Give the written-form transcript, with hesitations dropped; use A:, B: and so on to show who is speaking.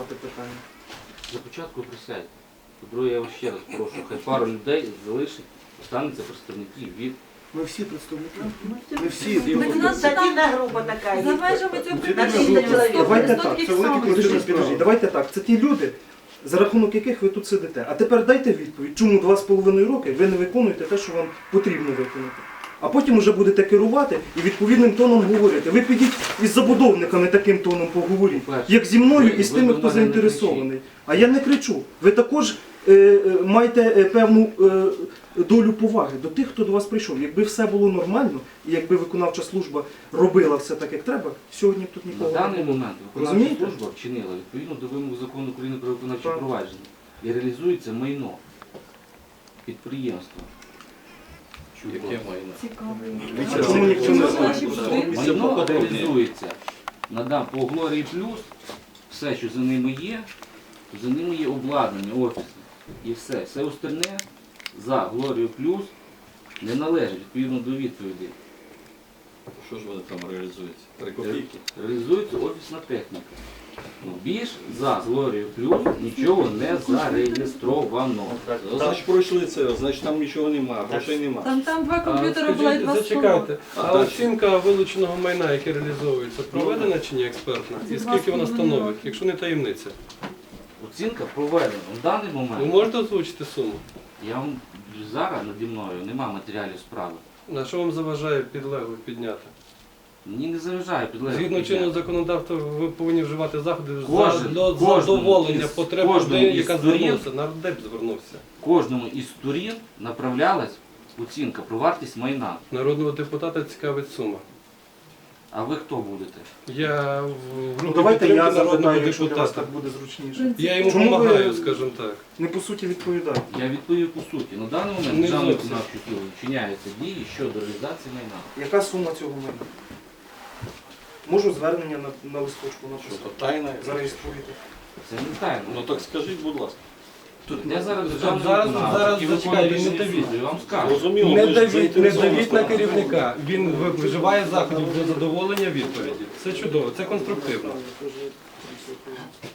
A: вирішувати питання.
B: За початку присядьте. По-друге, я вас ще раз прошу, хай пару людей залишить, остануться представники від...
A: Ми всі представники. Ми всі.
C: Статина група така.
D: За межами цього
A: Давайте так, це велике підождіть. Давайте так, це ті люди, за рахунок яких ви тут сидите. А тепер дайте відповідь, чому 2,5 роки ви не виконуєте те, що вам потрібно виконати. А потім вже будете керувати і відповідним тоном говорити. Ви підіть із забудовниками таким тоном поговоріть, як зі мною і з тими, хто заінтересований. А я не кричу. Ви також маєте певну долю поваги до тих, хто до вас прийшов. Якби все було нормально, і якби виконавча служба робила все так, як треба, сьогодні б тут
B: На
A: нікого не
B: даний
A: було.
B: момент виконавча служба вчинила відповідно до вимог закону України про виконавче провадження і реалізується майно підприємства.
E: Яке майно?
D: Цікаво.
A: Чому ніхто не знає?
B: Майно реалізується по Глорії Плюс, все, що за ними є обладнання офісне. І все. Все остальне за Глорію Плюс не належить відповідно до відповіді.
E: Що ж вони там реалізуються? 3 копійки?
B: Реалізується офісна техніка. Більш за Глорію Плюс нічого не зареєстровано.
E: Значить пройшли це, значить там нічого немає, грошей немає.
D: Там 2 комп'ютери були і 2 стола.
F: Зачекайте, а оцінка вилученого майна, яке реалізовується, проведена чи ні експертна? І скільки вона становить, якщо не таємниця?
B: Оцінка проведена. В даний
F: Ви
B: момент
F: можете озвучити суму?
B: я вам зараз наді мною немає матеріалів справи.
F: На що вам заважає підлеглих підняти?
B: Мені не заважає підлеглих.
F: Згідно чинного законодавства ви повинні вживати заходи
B: Кожен-
F: для
B: кожному
F: задоволення
B: із-
F: потреб
B: кожному
F: людей,
B: із
F: яка
B: сторін-
F: звернувся. Нардеп звернувся.
B: Кожному із сторін направлялась оцінка про вартість майна.
F: Народного депутата цікавить сума.
B: А ви хто будете?
F: Я в
A: Ну
F: групі
A: давайте я
F: підтримки народного
A: запитаю, якщо для вас
F: депутата.
A: так буде зручніше.
F: Я йому
A: Чому ви-
F: допомагаю, скажімо так.
A: Не по суті відповідаю.
B: Я відповів по суті. На даний момент
F: Не
B: державною
F: зовсім.
B: виконавчою силою вчиняються дії щодо реалізації майна.
A: Яка сума цього майна? Можу звернення на листочку
E: Що
A: написати.
E: то тайна?
A: Зареєструйте.
B: Це не тайна.
E: Ну так скажіть, будь ласка.
B: Я зараз державний
F: Зараз
B: виконавець, який
F: зачекай,
B: виконує
F: він не
B: рішення
F: давіть.
B: суду, я вам скажу.
E: Зрозуміло,
F: Не
E: ви ж
F: давіть
E: заінтересовані
F: на
E: сторона.
F: керівника. Він вживає заходів для задоволення відповіді. Це чудово, це конструктивно.